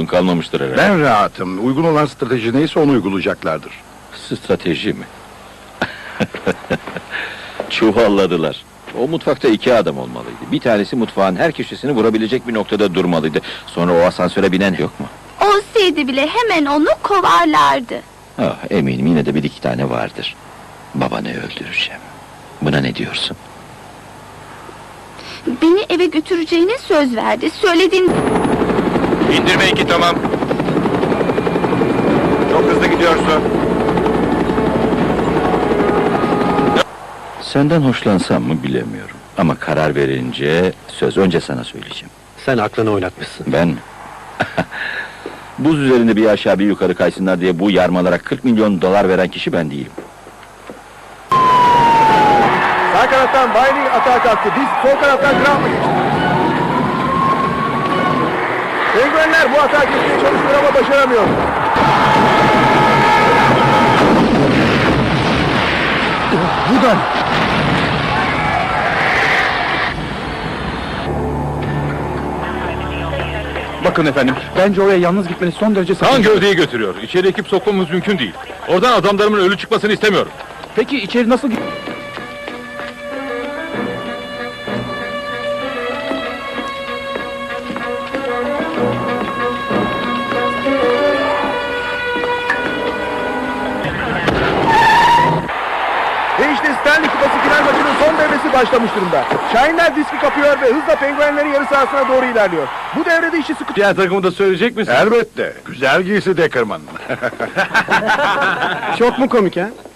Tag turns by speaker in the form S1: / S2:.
S1: kalmamıştır herhalde.
S2: Ben rahatım. Uygun olan strateji neyse onu uygulayacaklardır.
S1: Strateji mi? Çuvalladılar. O mutfakta 2 adam olmalıydı. Bir tanesi mutfağın her köşesini vurabilecek bir noktada durmalıydı. Sonra o asansöre binen yok mu?
S3: Olsaydı bile hemen onu kovarlardı.
S1: Ah, eminim yine de 1-2 tane vardır. Babanı öldüreceğim. Buna ne diyorsun?
S3: Beni eve götüreceğine söz verdi. Söylediğin...
S4: İndirme 2 tamam. Çok hızlı gidiyorsun.
S1: Senden hoşlansam mı bilemiyorum. Ama karar verince söz önce sana söyleyeceğim.
S5: Sen aklını oynatmışsın.
S1: Ben mi? Buz üzerinde bir aşağı bir yukarı kaysınlar diye bu yarmalara 40 milyon dolar veren kişi ben değilim.
S4: Sağ kanattan Bailey atağa kalktı. Biz sol kanattan Graham geçti. Penguenler bu atağa geçmeye çalışıyor ama başaramıyor. Buradan.
S6: Bakın efendim, bence oraya yalnız gitmeniz son derece
S4: Kan
S6: sakıncalı.
S4: gövdeyi götürüyor. İçeri ekip sokmamız mümkün değil. Oradan adamlarımın ölü çıkmasını istemiyorum.
S6: Peki içeri nasıl git...
S4: Ve işte Stanley Kupası final maçının son devresi başlamış durumda. Şahinler diski kapıyor ve hızla penguenlerin yarı sahasına doğru ilerliyor. Bu devrede işi sıkı... Diğer takımı da söyleyecek misin?
S2: Elbette. Güzel giysi Deckerman.
S5: Çok mu komik ha?